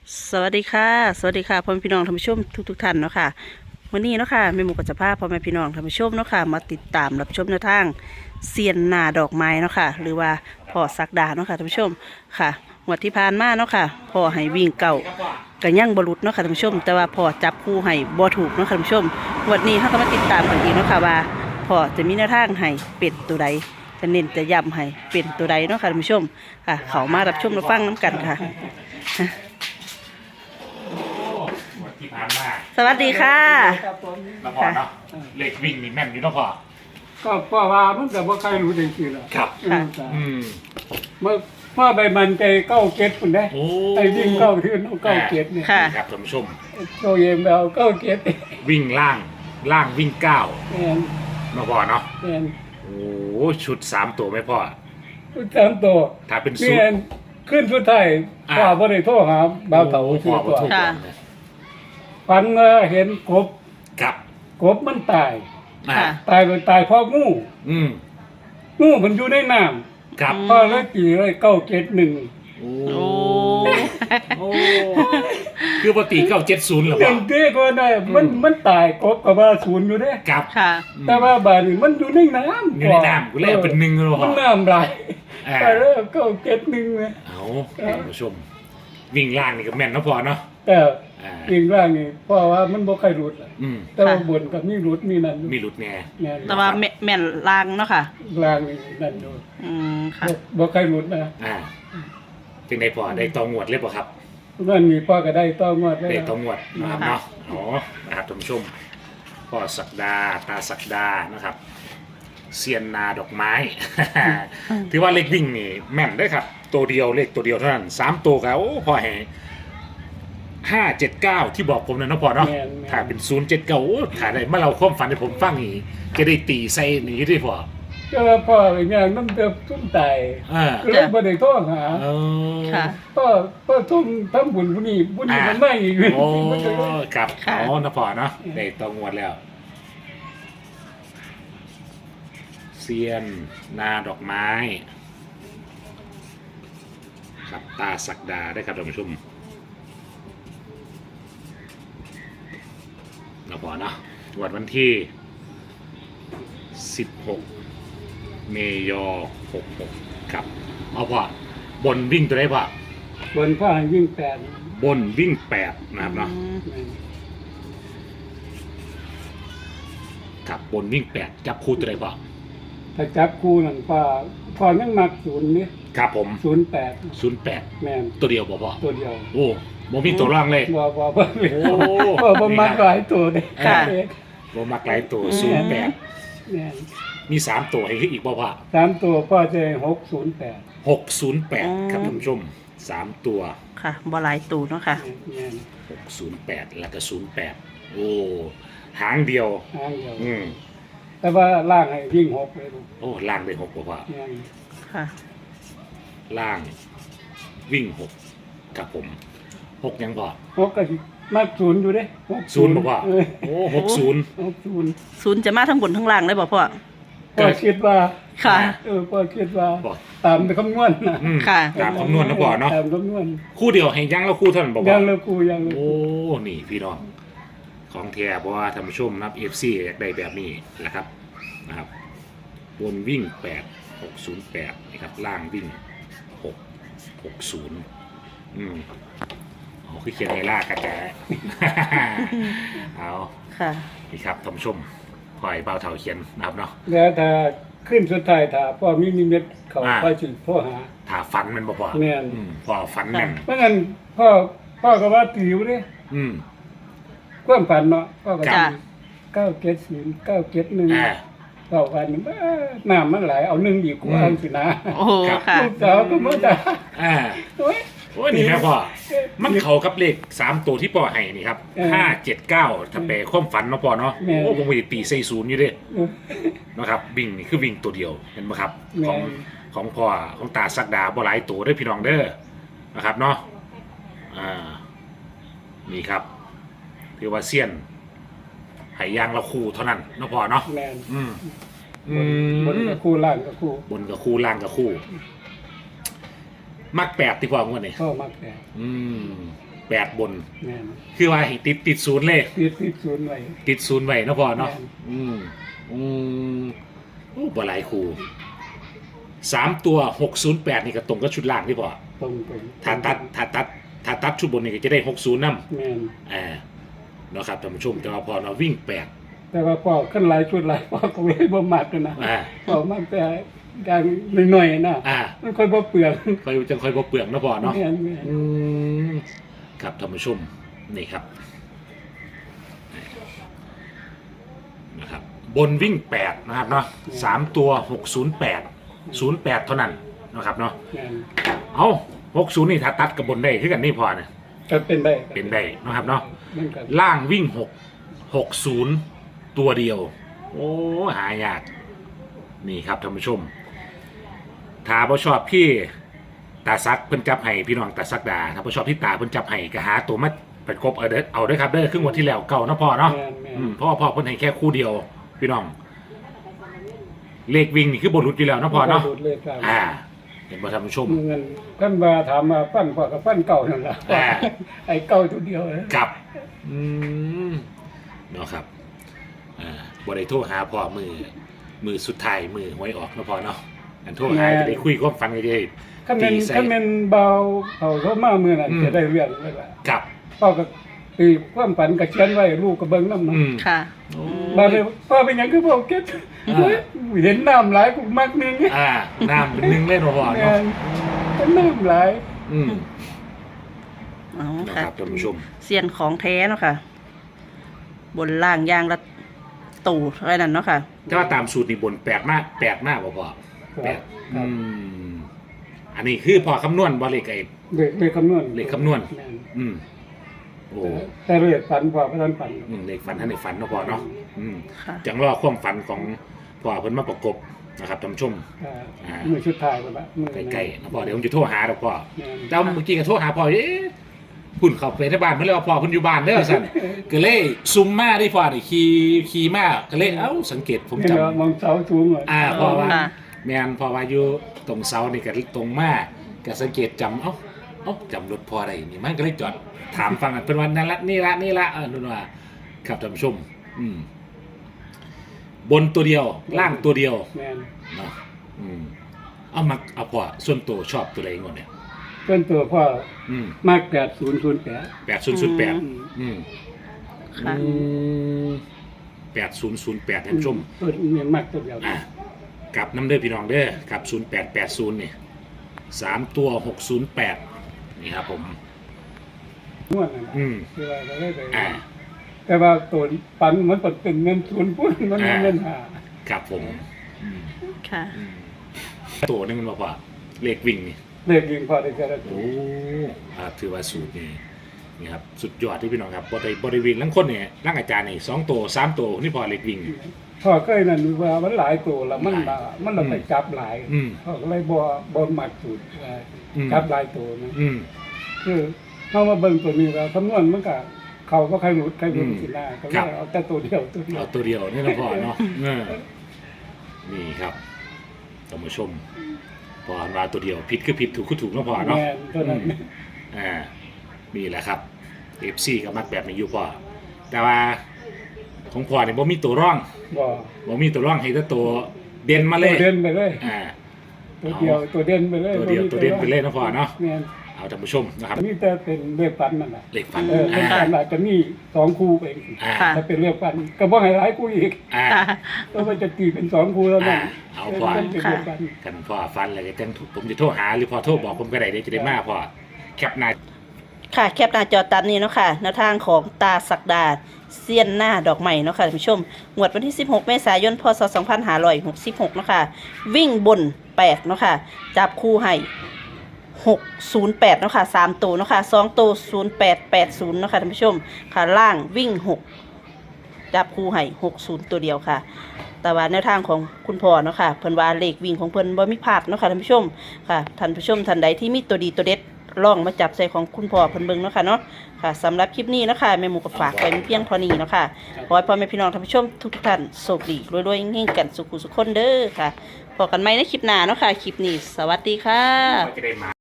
สวัสดีค่ะสวัสดีค่ะพ่อแม่พี่น้องท่านผู้ชมทุกท่านเนาะค่ะวันนี้เนาะค่ะแม่หมูก็จะพาพ่อแม่พี่น้องท่านผู้ชมเนาะค่ะมาติดตามรับชมแนวทางเซียนนาดอกไม้เนาะค่ะหรือว่าพ่อศักดาเนาะค่ะท่านผู้ชมค่ะงวดที่ผ่านมาเนาะค่ะพ่อให้วิ่งเก่ากันยั่งบรุษเนาะค่ะท่านผู้ชมแต่ว่าพ่อจับคู่ให้บ่ถูกเนาะค่ะท่านผู้ชมงวดนี้เราก็มาติดตามกันอีกเนาะค่ะว่าพ่อจะมีแนวทางให้เป็นตัวใดจะเน้นจะย้ำให้เป็นตัวใดเนาะค่ะท่านผู้ชมค่ะเขามารับชมรับฟังน้ำกันค่ะที่ผ่านมาสวัสดีค่ะครับผมแล้วพอเนาะเลขวิ่งนี่แม่นอยู่เนาะพอก็เพราะว่ามันแต่ว่าใครรู้จริงๆหรอกครับค่ะอืมเมื่อพ่อใบมันใจเก้าเก็ดคนได้โอ้ไอ้วิ่งเก้าทื่นเอาเก้าเก็ดเนี่ยค่ะครับท่านผู้ชมโตเย็นไปเอาเก้าเก็ดวิ่งล่างวิ่งเก้าแอนเนาะพอเนาะแอนโอ้ชุด3ตัวไหมพ่อทุกสามตัวถ้าเป็นนี่ชุดแอนขึ้นสุดท้ายอ่าพ่อบ่ได้โทรหาบ่าวเต๋าพ่ชื่ออบ่ตัวถูกค่ะเลยฝันว่าเห็นกบครับกบมันตายอ่าค่ะตายโดยตายเพราะงูอืมงูมันอยู่ในน้ครับำพ่อเลยตีเลยเก้าเก็ดหนึ่งโอ้โอ้โอ้คือปกติ970เหรอหพ่อนึ่งเด้ก็ได้มันตายกบกับว่าศูนย์อยู่เด้ครับค่ะแต่ว่าบาดนี้มันอยู่ในน้ำอยู่ในน้ำกูเลยเอาเป็น1เลยพ่มัอนน้ำไหลอ่าไปแล้วก็เก็ดหนึ่งเลยเอาท่านผู้ชม วิ่งล่างนี่ก็แม่นเนาะพ่อเนาะแต่อ่าอีกร่างนี่เพราะว่ามันบ่ใครรุดล่ะอืมแต่ว่าบนกับมีรุดมีนั่นอยู่มีหลุดแน่แม่นแต่ว่าแม่นลางเนาะค่ะร่างนี่นั่นอยู่อืมค่ะบ่ใครรุดนะอ่าจึงได้พอได้ตองวดเลยป่ะครับนั่นมีพ่อก็ได้ต้องงวดได้ได้ตองวดนะครับค่ะเนาะอ๋อนะครับท่านผู้ชมพ่อศักดาตาศักดานะครับเซียนนาดอกไม้ ถือว่าเลขวิ่งนี่แม่นได้อครับ ตัวเดียวเลขตัวเดียวเท่านั้น3ตัวครับโอ้พ่อแห่579ที่บอกผมนะเนาะพ่อเนาะแม่นแม่นถ้าเป็น079โอ้ถ่ายได้มาเราความฝันให้ผมฟังอีกจะได้ตีใส่หนีได้พ่อก็ว่าพ่อเป็นอย่างนั้นเติบทุ่มตายอ่าก็เลยบ่ได้โทรหาเออค่ะพ่อทุ่มทำบุญผู้นี้ผู้นี้มันไม่อีกโอ้มันก็เลยครับค่ะอ๋อนะพ่อเนาะได้ตองวดแล้ว เซียนนาดอกไม้ครับตาศักดาได้ครับท่านผู้ชมเราพอเนาะวันที่ 16 เมยอ66ครับเอาพอบนวิ่งตัวได้พอบนพ่อให้วิ่งแปดบนวิ่ง8นะครับเนาะครับบนวิ่ง8จับคู่ตัวได้พอถ้าจับคู่นั่นพ่อยังมักศูนย์นี่ครับผม 08 08 แม่นตัวเดียวพอตัวเดียวโอ้บ่มีตัวร่างเลยบ่โอ้บ่มักหลายตัวเด้ค่ะบ่มักหลายตัวอืม 08 แม่นมี3ตัวให้อีกบ่พ่อสามตัวพ่อจะ608 608 ครับท่านผู้ชม3ตัวค่ะบ่หลายตูเนาะค่ะแม่น 608 แล้วก็08 โอ้หางเดียวหางเดียวอืมแต่ว่าล่างให้วิ่ง6เลยลูกโอ้ล่างได้6บ่พ่อแม่นค่ะล่างวิ่ง6ครับผม6ยังพ่อ 6ก็สิมักศูนย์อยู่เด้ 0บ่พ่อเออโอ้60 60 ศูนย์จะมาทั้งบนทั้งล่างเลยบ่พ่อพ่อคิดว่าค่ะพ่อคิดว่าบ่ตามคำนวณนะอืมค่ะตามคำนวณนะพ่อเนาะตามคำนวณคู่เดียวให้ยังแล้วคู่เท่านั้นบ่พ่ยัองเลยกูยังเลยโอ้ นี่พี่น้อง ของแท้เพราะว่าท่านผู้ชมนะครับ FC อยากได้แบบนี้นะครับบนวิ่ง 8 608นะครับล่างวิ่ง 6 60เอาคือเขียนในล่ากระแจ เอาค่ะนี่ครับท่านผู้ชมพอยเบาเท่าเขียนนะครับเนาะแล้วถ้าขึ้นสุดท้ายถ้าพ่อมีนิมิตเขาอ่าพ่อสิพ่อหาถ้าฝันมันบ่พอแม่นพอฝันแม่นเพราะงั้นพ่อก็ว่าติวเด้อืมความฝันเนาะพ่อก็จ้ะ 970 971 อ่าเก้าวันนี้น้ำมันไหลเอาหนึ่งดีกว่าอันสินะโอ้โหค่ะลูกสาวก็มาด่าอ่าโอ้ยโอ้ยนี่แม่พ่อ มันเข้ากับเลข3ตัวที่พ่อให้นี่ครับเออ 579ถ้าแปลความฝันเนาะพ่อเนาะแม่นโอ้ผมไปตีใส่ศูนย์อยู่เด้เออนะครับวิ่งนี่คือวิ่งตัวเดียวเห็นไหมครับแม่นของพ่อของตาสักดาบ่หลายตัวเด้อพี่น้องเด้อนะครับเนาะนี่ครับถือว่าเซียนให้ยางละคู่เท่านั้นเนาะพ่อเนาะแม่นอืมบนกับคู่ล่างกับคู่บนกับคู่ล่างกับคู่ มัก8ที่พ่องวดนี่พ่อมักแต่อืม 8บนแม่นคือว่าให้ติดศูนย์เลยติดศูนย์ไว้ติดศูนย์ไว้เนาะพ่อเนาะแม่นอืมโอ้บ่หลายคู่3ตัว608นี่ก็ตรงกับชุดล่างที่พ่อตรงถ้าตัดชุดบนนี่ก็จะได้60นำแม่นเนาะครับท่านผู้ชมแต่ว่าพอเราวิ่ง8 แต่ว่าพอขึ้นหลายชุดหลายพอก็เลยบ่มักกันนะอ่าพอมักแต่การหน่อยๆนะอ่ามันค่อยบ่เปลืองค่อยจังค่อยบ่เปลืองเนาะพ่อเนาะแม่นอืมครับท่านผู้ชมนี่ครับนะครับ บนวิ่ง8นะครับเนาะ3ตัว608 เท่านั้นนะครับเนาะแม่นเอา60นี่ถ้าตัดกับบนได้คือกันนี่พอเนี่ยก็เป็นได้เป็นได้นะครับเนาะเหมือนกันล่างวิ่ง60ตัวเดียว โอ้หายากนี่ครับท่านผู้ชมถ้าบ่ชอบพี่ตาซักเพิ่นจับให้พี่น้องตาซักดาถ้าบ่ชอบที่ตาเพิ่นจับให้ก็หาตัวมาประกบเอาเด้อครับเด้อครึ่งวันที่แล้วเก่านะพ่อเนาะแม่นแม่นเพราะว่าพ่อเพิ่นให้แค่คู่เดียว พี่น้อง เลขวิ่งนี่คือบนรุดอยู่แล้วนะพ่อเนาะบ่รู้เลยครับเห็นบ่ท่านผู้ชมเงินกันมาถามมาฟันพอกับฟันเก่านั่นล่ะอ่าไอ้เก่าตัวเดียวนะกับเนาะครับบ่ได้โทรหาพ่อมือสุดท้ายมือหวยออกนะพ่อเนาะอันโทรหาจะได้คุยความฝันกันได้คันแม่นตีใส่คันแม่นเบาเขามามื้อนั้นจะได้เรื่องเลยล่ะกับพ่อก็ตีความฝันก็เขียนไว้ลูกก็เบิ่งนำเนาะค่ะมาเลยพ่อเป็นหยังคือพ่อเก็บเฮ้ยเห็นน้ำหลายกูมักนึงน้ำเป็นหนึ่งเล่นบ่พ่อแม่เนาะนเป็นน้ำหลายอ๋อนะค่ะครับท่านผู้ชมเสียนของแท้เนาะค่ะ บนล่างยางละตู่อะไรนั่นเนาะค่ะถ้าว่าตามสูตรนี่บนแปลกมากบ่พ่อแปลกครับอันนี้คือพ่อคำนวณบ่เลขไอ้เลขคำนวณเลขคำนวณแม่นโอ้แต่เลขฝันพ่อบ่ทันฝันเลขฝันท่านในฝันเนาะพ่อเนาะค่ะจังรอความฝันของพ่อเพิ่นมาประกบนะครับท่านผู้ชมมือชุดท้ายพุ่นละมือใกล้ๆนะพ่อเดี๋ยวผมจะโทรหาดอกพ่อแม่นแต่เมื่อกี้ก็โทรหาพ่อพุ่นเข้าไปที่บ้านเพิ่นเลยว่าพ่อเพิ่นอยู่บ้านเด้อสั่นก็เลยซุมมาได้พ่อนี่ขี่มาก็เลยสังเกตผมเห็นจำว่ามองเสาสูงเลยพ่อว่าค่ะแม่นพ่อว่าอยู่ตรงเสานี่ก็ตรงมาก็สังเกตจำจำรถพ่อได้นี่มันก็เลยจอดถามฟังกันเพิ่นว่านั่นละนี่ละนู่นว่าครับท่านผู้ชมบนตัวเดียวล่างตัวเดียวแม่นเนาะเอาพ่อส่วนตัวชอบตัวอะไรก่อนเนี่ยเพิ่นตัวพ่อ มาก8008 8008 ค่ะ 8008ท่านผู้ชมเพิ่นเมียนมากตัวเดียวกลับน้ำเด้อพี่น้องเด้อกับ0880เนี่ย3ตัว608นี่ครับผมนวดนั่นน่ะคือว่าก็เลยไป แต่ว่าตัวปันมันเป็นเงินทุนพุ่นมันเป็นเงินหาครับผมค่ะตัวนึงมันบอกว่าเลขวิ่งนี่เลขยิงพอได้ก็ได้โอ้ถือว่าสูตรนี่ครับสุดยอดที่พี่น้องครับบริวิ่งลังคนเนี่ยลังอาจารย์นี่2ตัว3ตัวนี่พอเลขวิ่งพ่อเคยนั่นว่ามันหลายตัวแล้วมันเราไปจับหลายพ่อก็เลยบ่มักสูตรจับหลายตัวนะคือเฮามาเบิ่งตัวนี้แล้วคำนวณมันก็เขาก็ใครรู้สิหน้าก็เลยเอาแต่ตัวเดียวเอาตัวเดียวนี่นะพ่อเนาะนี่ครับท่านผู้ชมพอมาตัวเดียวผิดคือผิดถูกคือถูกนะพ่อเนาะแม่นตัวนั้นนี่แหละครับ FC ก็มักแบบนี้อยู่พ่อแต่ว่าของพ่อเนี่ยบ่มีตัวร่องบ่มีตัวร่องให้แต่ตัวเด่นมาเลตัวย เด่นไปเลย ตัวเดียวตัวเด่นไปเลยตัวเดียวตัวเด่นไปเลยนะพ่อเนาะแม่นเอาท่านผู้ชมนะครับนี่แต่เป็นเลขฟันนั่นแหละเลขฝันเลขฟันอาจจะมี2คู่เองค่ะถ้าเป็นเลขฟันก็บ่ให้หลายคู่อีกค่ะก็มันจะตีเป็น2คู่แล้วนั่นเอาพ่อเป็นเลขฟันกันพ่อฟันอะไรก็จังผมจะโทรหาหรือพ่อโทรบอกผมก็ได้เดี๋ยวจะได้มาพ่อแคปหน้าค่ะแคปหน้าจอตามนี้เนาะค่ะแนวทางของตาศักดาเซียนหน้าดอกใหม่เนาะค่ะท่านผู้ชมงวดวันที่16เมษายนพศ2566เนาะค่ะวิ่งบน8เนาะค่ะจับคู่ให้608เนาะค่ะ3ตัวเนาะค่ะ2ตัว0880เนาะค่ะท่านผู้ชมค่ะล่างวิ่ง6จับคู่ให้60ตัวเดียวค่ะแต่ว่าแนวทางของคุณพ่อเนาะค่ะเพิ่นว่าเลขวิ่งของเพิ่นบ่มีพลาดเนาะค่ะท่านผู้ชมค่ะท่านผู้ชมท่านใดที่มีตัวดีตัวเด็ดลองมาจับใส่ของคุณพ่อเพิ่นเบิ่งเนาะค่ะเนาะค่ะสำหรับคลิปนี้เนาะค่ะแม่หมูก็ฝากไว้มีเพียงเท่านี้เนาะค่ะขอให้พ่อแม่พี่น้องท่านผู้ชมทุกท่านโชคดีรวยๆเฮงๆกันสุขุสุขคนเด้อค่ะพบกันใหม่ในคลิปหน้าเนาะค่ะคลิปนี้สวัสดีค่ะจะได้มา